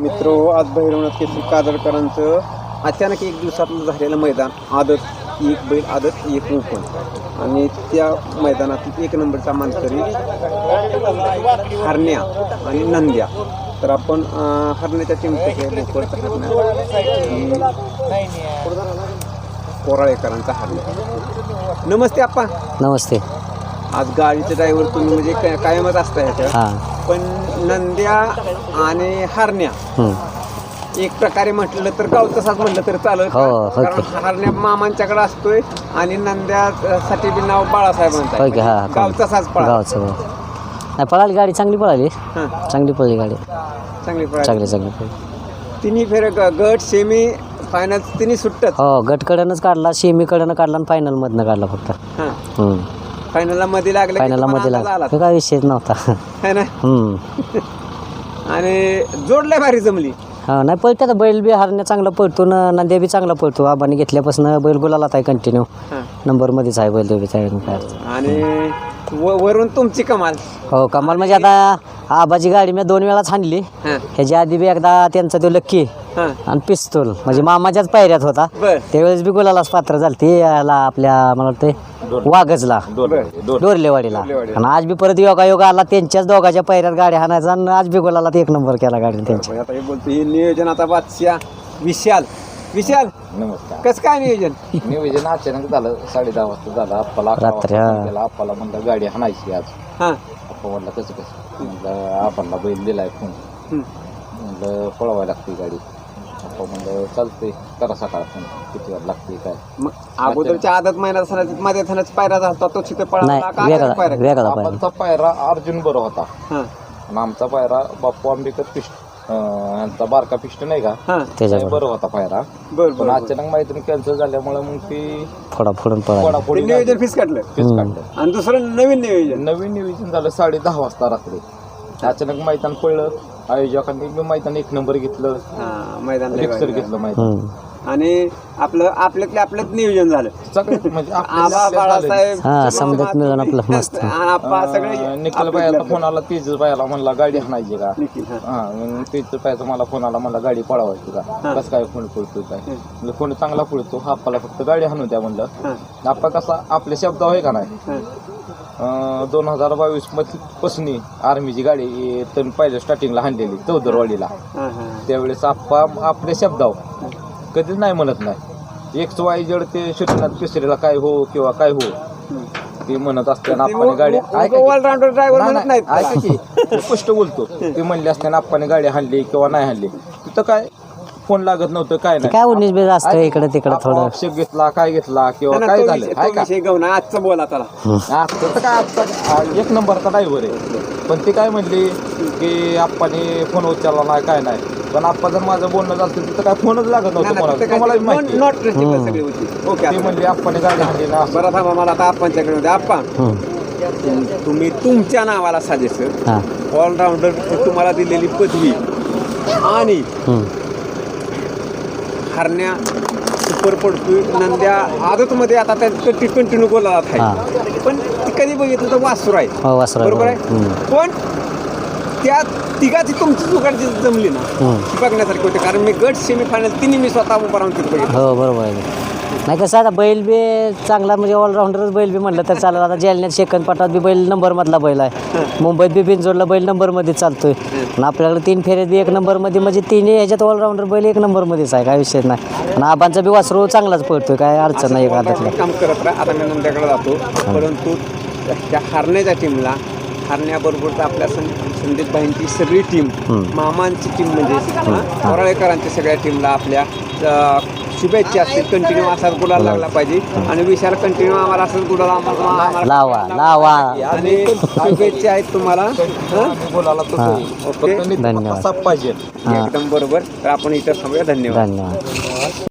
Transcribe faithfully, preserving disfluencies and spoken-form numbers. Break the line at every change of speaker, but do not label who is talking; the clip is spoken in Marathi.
मित्रो, आज भैरवनाथ केसरी कादळकरांचं अचानक एक दिवसातलं झालेलं मैदान, आदत एक बैल आदत एक ओपन, आणि त्या मैदानातील एक नंबरचा मानकरी हरण्या आणि नंद्या. तर आपण हरण्याच्या टीमचं कोराळेकरांचा हरण्या. नमस्ते आप्पा.
नमस्ते.
आज गाडीचे ड्रायव्हर तुम्ही म्हणजे कायमच असता ह्याच्या, पण नंद्या आणि हरण्या एक प्रकारे म्हटलं तर गाव तसाच म्हटलं तर चालेल, कारण हरण्या मामांच्याकडे असतोय आणि नंद्यासाठी बी नाव बाळासाहेबांचा. गाव तसाच
पळाला. पळाली गाडी, चांगली पळाली. चांगली पळली गाडी, चांगली पळाली, चांगली चांगली पळली.
तिन्ही फेर गट सेमी फायनल तिन्ही सुट्टत.
हो, गट कडनच काढला, सेमी कडनं काढला आणि फायनल मधनं काढला फक्त.
फायनलला मध्ये लागला,
फायनलला मध्ये लागला, काय विषयच नव्हता
है ना. आणि जोडल्या भारी जमली.
हा, नाही पळते आता बैल बी. हरण्या चांगला पळतो ना, नंद्या बी चांगला पळतो. आबाने घेतल्यापासून बैल गुलालात आहे, कंटिन्यू नंबर मध्येच आहे बैल देवी.
आणि वरून तुमची कमाल.
हो, कमाल म्हणजे आता आबाची गाडी मी दोन वेळाच हाणली. ह्याच्या आधी बी एकदा त्यांचा तो लक्की आणि पिस्तूल म्हणजे मामाच्याच पायऱ्यात होता, त्यावेळेस बी गुलालाच पात्र झालती. याला आपल्या मला वाटतं वाघजला, डोरलेवाडीला. आणि आज बी परत योगा योगा आला, त्यांच्याच दोघांच्या पायऱ्यात गाडी हाणायचा आणि आज बी गुलालात एक नंबर केला गाडी त्यांच्या.
आता हे बोलतो हे नियोजन आता बादशाह विशाल. विशाल
नमस्कार.
कसं काय नियोजन?
नियोजन अचानक झालं, साडे दहा वाजता झालं. आप्पाला
रात्री
आप्पाला म्हणलं गाडी हाणायची आज.
हा,
आप्पा म्हणलं कसं कसं म्हणलं, आप्पाला बैल दिलाय फोन, म्हणलं पळवायला लागते गाडी. आप्पा म्हणलं चालते, करा सकाळ फोन, किती वेळ लागते काय.
मग अगोदरच्या आदत महिन्यात मध्ये थानाच पायरा झाला तो तिथे पळाला.
आप्पाचा पायरा अर्जुन बरो होता आणि आमचा पायरा बाप्पू आंबेकर पिष्ट यांचा बारका पिष्ट नाही का, बरं होता पायरा. पण अचानक मैत्री कॅन्सल झाल्यामुळे मग ती
फोडाफोडून
फोडाफोडी नियोजन फिस काढलं
फिस काढलं.
आणि दुसरं नवीन नियोजन
नवीन नियोजन झालं साडे दहा वाजता रात्री. अचानक मैदान पडलं, आयोजकांनी मैदान एक नंबर घेतलं,
मैदान
घेतलं मैदान.
आणि आपलं आपल्यातले आपल्यात नियोजन झालं
सगळं म्हणजे
आबा बाळासाहेब
समजत मिळून आपलं मस्त.
निखिल बायाला फोन आला, तेज बायाला म्हणला गाडी हाणायची का. हा, तेज बायाचा मला फोन आला, मला गाडी पळवायची का, कसं काय फोन पळतो काय. म्हणजे फोन चांगला पळतो, आप्पाला फक्त गाडी हाणू द्या म्हणलं. आप्पा कसा आपल्या शब्द आहे का नाही. दोन हजार बावीस पासून आर्मीची गाडी तर पहिल्या स्टार्टिंगला हाणलेली चौदरवाडीला. त्यावेळेस आप्पा आपल्या शब्दावर कधीच नाही म्हणत नाही. एक वाय जड ते श्रीनाथ केसरीला काय हो किंवा काय हो ते म्हणत असताना आप्पाने गाडी ऐका की स्पष्ट बोलतो. ते म्हणले असताना आप्पाने गाडी हाणली किंवा नाही हाणली, तिथं काय फोन लागत नव्हतं, काय नाही.
काय उन्नीस बीस असतं इकडे तिकडे, थोडं
ऑप्शन घेतला काय घेतला किंवा काय झालं
आजचं बोला त्याला.
आजचं तर काय, आजचा एक नंबरचा ड्रायव्हर आहे. पण ते काय म्हणले की आप्पाने फोन उचलला नाही काय नाही. पण आप्पा जर माझं बोलणं झालं तिथं काय फोनच लागत नव्हतं मला, तुम्हाला माहिती. ते म्हणले आप्पाने गाडी हाणली ना.
बरं थांबा, मला आता आप्पांच्याकडे होते. आप्पा, तुम्ही तुमच्या नावाला साजेसर ऑलराऊंडर तुम्हाला दिलेली पदवी आणि हरण्या सुपर पडतोय, नंद्या आदतमध्ये आता त्या कंटिन्यू बोलायला आहे. पण ती कधी बघितलं तर वासुर आहे, बरोबर आहे. पण त्या तिघाची तुमची जुगाडची जमली ना, ती बघण्यासारखी होते. कारण मी गट सेमी फायनल तिन्ही मी स्वतः उभा राहून तिथे बघितलं.
हो, बरोबर आहे. नाही कसं आता बैल बी चांगला म्हणजे ऑलराऊंडरच बैल बी म्हटलं तर चालेल. आता जालन्यात सेकंद पाठात बी बैल नंबर मधला बैल आहे, मुंबईत बी बिनजोडला बैल नंबर मध्ये चालतोय. आणि आपल्याकडे तीन फेऱ्यात बी एक नंबर मध्ये, म्हणजे तिन्ही ह्याच्यात ऑलराऊंडर बैल एक नंबर मध्येच आहे, काय विषय नाही. आणि आबांचा बी वासरू चांगलाच पळतोय, काय अडचण नाही.
काम करत राहा. आता मी नंद्याकडे जातो, परंतु त्या हरण्याच्या टीमला हरण्याबरोबर आपल्या संदीप भाईंची सगळी टीम, मामांची टीम म्हणजे कोराळेकरांच्या सगळ्या टीमला आपल्या शुभेच्छा असतील. कंटिन्यू असाच गुलाल लागला पाहिजे आणि विशाल कंटिन्यू आम्हाला असंच गुलाल आम्हाला
लावा लावा
आणि शुभेच्छा आहेत तुम्हाला.
धन्यवाद.
एकदम बरोबर. तर आपण इथं थांबूया. धन्यवाद.
धन्यवाद.